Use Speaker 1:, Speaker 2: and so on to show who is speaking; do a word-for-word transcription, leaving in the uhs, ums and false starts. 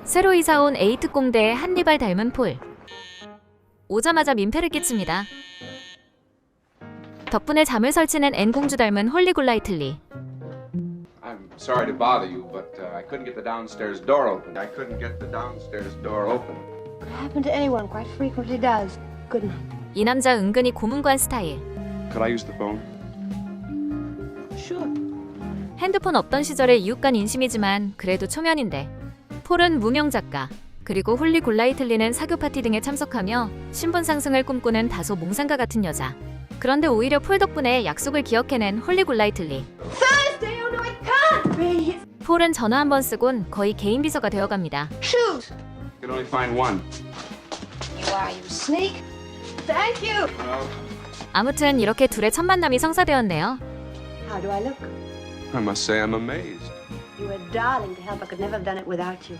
Speaker 1: 새로 이사온 에이특공대의 한니발 닮은 폴. 오자마자 민폐를 끼칩니다. 덕분에 잠을 설치는 앤공주 닮은 홀리 골라이틀리.
Speaker 2: I'm sorry to bother you, but uh, I couldn't get the downstairs door open. I couldn't get the downstairs door open.
Speaker 3: Could happen to anyone, quite frequently does. Good night.
Speaker 1: 이 남자 은근히 고문관 스타일.
Speaker 2: Could I use the phone?
Speaker 3: Sure.
Speaker 1: 핸드폰 없던 시절의 이웃간 인심이지만 그래도 초면인데. 폴은 무명 작가, 그리고 홀리 골라이틀리는 사교 파티 등에 참석하며 신분 상승을 꿈꾸는 다소 몽상가 같은 여자. 그런데 오히려 폴 덕분에 약속을 기억해낸 홀리 골라이틀리.
Speaker 3: Thursday, oh no, it can't be!
Speaker 1: 폴은 전화 한 번 쓰곤 거의 개인 비서가 되어갑니다.
Speaker 3: Shoes!
Speaker 2: I could only find one.
Speaker 3: You are, you sneak! Thank you!
Speaker 2: Well,
Speaker 1: 아무튼 이렇게 둘의 첫 만남이 성사되었네요.
Speaker 3: How do I look?
Speaker 2: I must say I'm amazed.
Speaker 3: You were darling to help. I could never have done it without you.